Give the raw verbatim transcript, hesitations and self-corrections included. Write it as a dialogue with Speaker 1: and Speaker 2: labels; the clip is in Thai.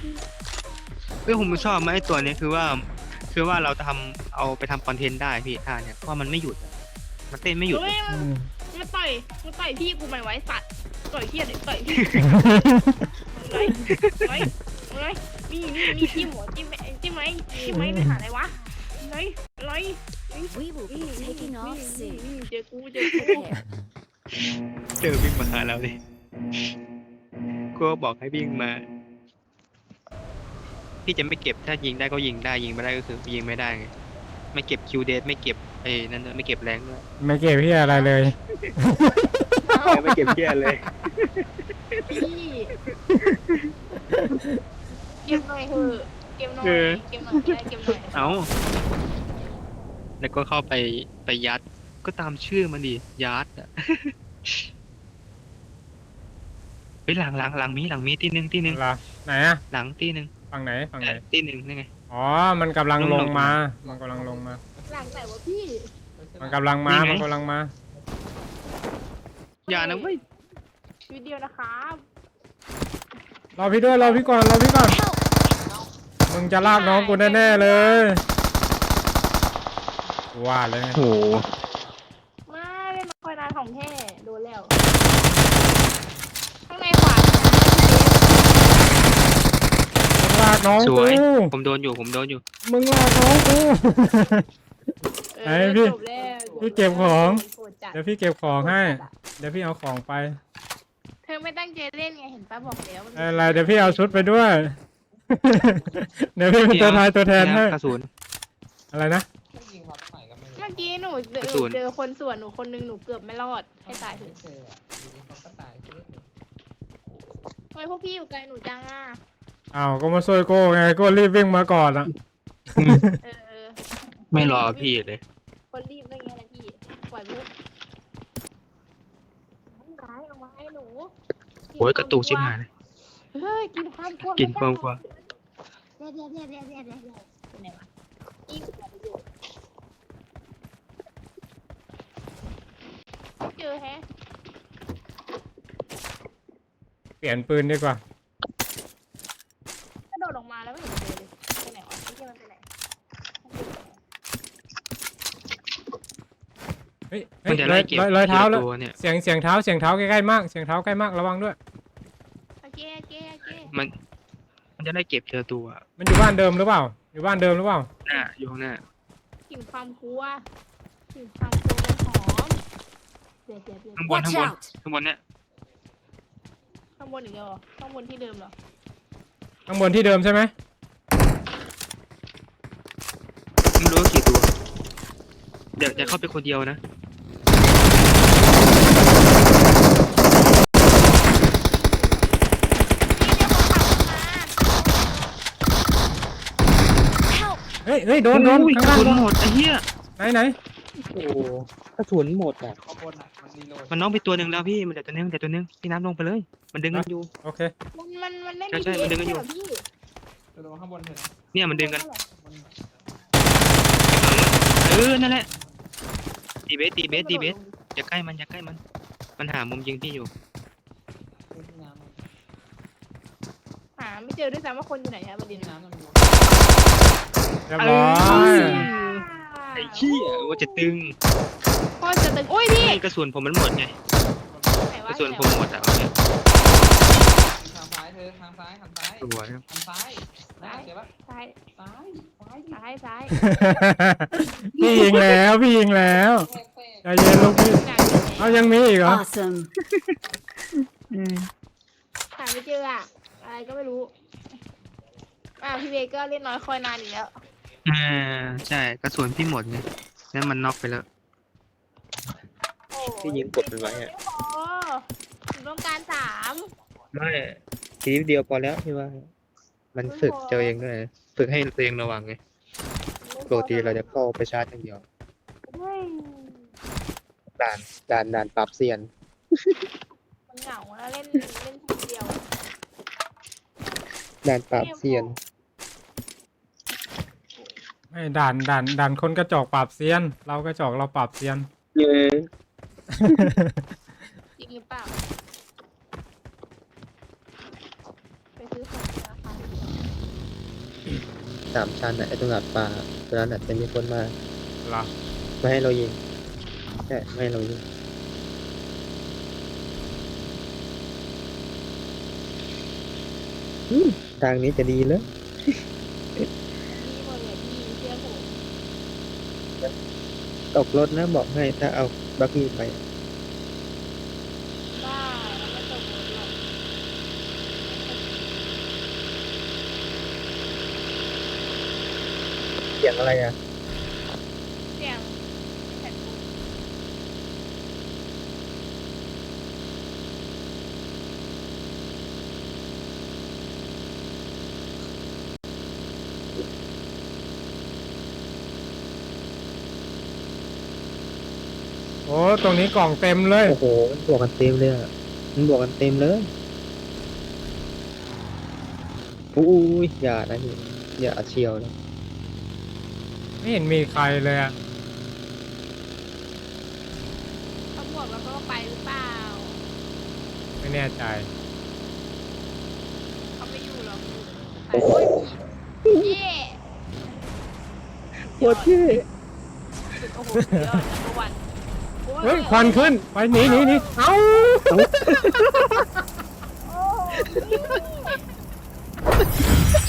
Speaker 1: เฮ้ยผมชอบไหมไอ้ตัวนี้คือว่าคือว่าเราทำเอาไปทำคอนเทนต์ได้พี่ท่าเนี่ยเพราะมันไม่หยุดอะมันเต้นไม่หยุดเล
Speaker 2: เฮ้
Speaker 1: ย
Speaker 2: ยมันมันต่อยมันต่อยพี่กูไม่ไหวสัตว์ต่อยเฮียเด็กต่อยพี่ไรไรไรมีมีมีจิ้มหัวจิ้มจิ้มไหมจิ้มไหมไปหาอะไรวะไรไร
Speaker 3: We will be taking off
Speaker 2: นี่
Speaker 3: soon.
Speaker 2: นี่เจอกูเจอกู
Speaker 3: Prepare.
Speaker 1: เจอวิ่งมาหาเราเลยก็บอกให้วิ่งมาพี่จะไม่เก็บถ้ายิงได้ก็ยิงได้ยิงไม่ได้ก็คือยิงไม่ได้ไงไม่เก็บคิวเดทไม่เก็บไอ้นั่นด้วยไม่เก็บแรงด้วย
Speaker 4: ไม่เก็บพี่อะไรเลย
Speaker 1: ไม่เก็บเพี้ยเลย
Speaker 2: พี่เกมหน่อยเถอะเกมหน่อยเกมหน่อยได้เกมหน่อย
Speaker 1: เอาแล้วก็เข้าไปไปยัดก็ตามชื่อมันดิยัดอ่ะเฮ้ยหลังหลังหลังมีหลังมีที่หนึ่งที่หนึ่ง
Speaker 4: เหรอไหนอะ
Speaker 1: หลังที่หนึ่ง
Speaker 4: ฝั่งไหนฝั่งไหน
Speaker 1: ที่หนึ่งนี่ไง
Speaker 4: อ๋อมันกำลังลงมา มันกำลังลงมา
Speaker 2: หลังไหนวะพี่
Speaker 4: มันกำลังมา มันกำลังมา
Speaker 1: อย่านะเว้ย
Speaker 2: วิดีโอนะครับ
Speaker 4: รอพี่ด้วยรอพี่ก่อนรอพี่ก่อนมึงจะลากน้องกูแน่ๆเลยว่าเลยไง
Speaker 1: โห
Speaker 2: มาเล่นคอยนานของแท้โดนแล้วข้างในขวา
Speaker 4: มึงลากน้อง
Speaker 1: ส
Speaker 4: กู
Speaker 1: วยผมโดนอยู่ผมโดนอยู่
Speaker 4: มึงลากน้องกู
Speaker 2: เอ
Speaker 4: ไอ้
Speaker 2: อ
Speaker 4: พี่
Speaker 2: จบแล้ว
Speaker 4: พี่เก็บของ
Speaker 2: โหดจัด
Speaker 4: เดี๋ยวพี่เก็บของให้ เดี๋ยวพี่เอาของไป
Speaker 2: เธอไม่ตั้งใจเล่นไงเห็นป้าบอกแล้วมัน
Speaker 4: อะไรเดี๋ยวพี่เอาชุดไปด้วย เดี๋ยวพี่เป็นตัวทายตัวแทนให้
Speaker 1: กระสุน
Speaker 4: อะไรนะ
Speaker 2: เมื่อกี้หนูเจอก
Speaker 1: ระสุน
Speaker 2: เจอคนส่วนหนูคนนึงหนูเกือบไม่รอดให้ตายเถอะทำไมพวกพี่อยู่ไกลหนูจังอ่ะ
Speaker 4: อ้าวก็มาช่วยโก้ไงโก้รีบวิ่งมาก่อนอ่ะ
Speaker 2: เออ
Speaker 1: ไม่รอพี่เลย
Speaker 2: คนรีบได้ไงนะพี่ปล่อยมุกร้ายเอาไว้หนู
Speaker 1: โอ้ยกระตุกชิบหายเลย
Speaker 2: เฮ้ยกินความกลัว
Speaker 1: กินความกลัว
Speaker 2: เดี๋ยวเดี๋ยวเดี๋ยวเดี๋ยวเดี๋ยวเดี๋ยวเดี๋ยวเป็นไงวะอีกประโยชน์เจอแฮะ
Speaker 4: เปลี่ยนปืนดีกว่า
Speaker 2: กระโดดออกมาแล้วไม่เห็นเจอเลยไปไหนวะไม่ใช่มันไปไหน
Speaker 4: เฮ้ย
Speaker 1: มันจะ
Speaker 4: ร
Speaker 1: ไล่
Speaker 4: อย
Speaker 1: เก็บ
Speaker 4: รอยรอยเท้าแล้ว
Speaker 1: ตัวเนี่ย
Speaker 4: เสียงเสียงเท้าเสียงเท้าใกล้ๆมากเสียงเท้าใกล้มากระวังด้วย
Speaker 2: โอเคโอเคโอเค
Speaker 1: มัน มันจะได้เก็บเจอตัว
Speaker 4: มันอยู่บ้านเดิมหรือเปล่า อยู่บ้านเดิมหรือเปล่า
Speaker 1: หน้าอยู่ข้างหน้า
Speaker 2: กลิ่นความกลัวกลิ่นความกลัวมันหอมเดี๋ยวเดี๋ยวเดี๋ยว
Speaker 1: ข้างบน
Speaker 3: Watch
Speaker 1: ข้างบน
Speaker 3: out!
Speaker 1: ข้างบนเนี่ย
Speaker 2: ข้างบนอีกแล้วเหรอข้างบนที่เดิมเหรอ
Speaker 4: ข้างบนที่เดิมใช่ไหม
Speaker 1: ไม่รู้ว่ากี่ตัว เดี๋ยวจะเข้าไปคนเดียวนะ
Speaker 3: Help!
Speaker 4: เฮ้ยเฮ้ยโดนโดน
Speaker 1: โอ้ย
Speaker 4: ข้าง
Speaker 1: กระ
Speaker 4: ล่าง
Speaker 1: สุนหมดไอ้เหี้ย
Speaker 4: ไหนไหน
Speaker 1: โอ้กระสุนหมดอ่ะมันน้องไปตัวหนึ่งแล้วพี่ มันเดี๋ยวตัวหนึงเดี๋ยวตัวหนึงพี่น้ำลงไปเลย มันดึงกันอยู่
Speaker 4: โอเค
Speaker 2: มันมันมันเล่น
Speaker 1: ใช่ใช่มันดึงกันอยู่
Speaker 2: เหรพี่
Speaker 1: เนี่ยมันดึงกัน เออ นั่นแหละ ตีเบส ตีเบส ตีเบส อย่าใกล้มัน อย่าใกล้มัน มันหามุมยิงพี่อยู่
Speaker 2: หาไม่เจอด้วยซ้ำว่าคนอยู่ไหนอะประเด็นนะ
Speaker 4: เรียบร้อย
Speaker 1: ไอ้เหี้ยว่าจะตึง
Speaker 2: พ่อจะตึงโอ้ยพี่
Speaker 1: กระสุนผมมันหมดไง
Speaker 2: ไหน
Speaker 1: ก
Speaker 2: วะ
Speaker 1: ระสุนผมหมดอ่ะเอาเนี่ย
Speaker 5: ทางซ้ายเธอทางซ้ายทางซ้าย
Speaker 1: สวยครับ
Speaker 5: ทางซ้ายนะเดี๋ยวปะ
Speaker 2: ซ้าย
Speaker 5: ซ้ายซ้าย
Speaker 2: ซ้ายซ้าย
Speaker 4: พี่ยิงแล้วพี่ยิงแล้ว
Speaker 5: แทรกแทรก
Speaker 4: ใจเย็นลูกพี่
Speaker 2: หนักอยู่ไหน
Speaker 4: เอายังมีอีกเหรอ
Speaker 3: Awesome.
Speaker 2: หาไม่เจออะอะไรก็ไม่รู้อ่าพี่เบก็เล่นน้อยคอยนานอีกแล้ว
Speaker 1: อ่าใช่ กระสุนพี่หมดไงแล้วมันน็อกไปแล้ว
Speaker 2: โอ้
Speaker 1: พี่ยิงกดมันไว้อะ
Speaker 2: โอ้หนูต้องการสาม
Speaker 1: ไม่ทีเดียวพอแล้วพี่ว่า มันฝึกเจอเองด้วยฝึกให้ตัวเองระวังไงปกติเราจะเข้าไปชาร์จอย่างเดียว
Speaker 2: เฮ้ย
Speaker 1: ด่านด่านด่านปรับเซียน
Speaker 2: มันเหงาแล้วเล่นเล่นคนเดียว
Speaker 1: ด่านปรับเซียน
Speaker 4: ไม่ด่านด่านด่านคนกระจอกปราบเซียน เรากระจอกเราปราบเซียน
Speaker 1: เย้
Speaker 2: จริงหรือเปล่าไปซื้อของราคา
Speaker 1: สามชั้นอ่ะไอ้ตรงหลัดป่าตรงนั้นอ่ะจะมีคนมา
Speaker 4: เหรอ
Speaker 1: ไม่ให้เรายิงใช่ไม่ให้เรายิงอืมทางนี้จะดีเลย
Speaker 2: พี่หมดเลยพี่เชื่อผม
Speaker 1: ตกรถนะบอกให้ถ้าเอาบักกี้ไป
Speaker 2: บ้าแล้วไม่ตกรถหรอก
Speaker 1: เสียงอะไรอ่ะ
Speaker 2: เสียงแผ่นปูน
Speaker 4: โอ้ตรงนี้กล่องเต็มเลย
Speaker 1: โอ้โหมันบวกกันเต็มเลยอ่ะมันบวกกันเต็มเลยอุ้ยอย่านะนี่อย่าเชียวนะ
Speaker 4: ไม่เห็นมีใครเลยอะ
Speaker 2: เขาบอกแล้วก็ไปหรือเปล่า
Speaker 4: ไม่แน่ใจ
Speaker 2: เขาไม่อยู่หรอกโอ้ยเย่
Speaker 1: โคตรเท่
Speaker 2: โอ้โหสุดยอดนัมเบอร์วันโอ้
Speaker 4: เฮ้ยควันขึ้น ไปหนีหนีหนีเอ้า
Speaker 2: โอ้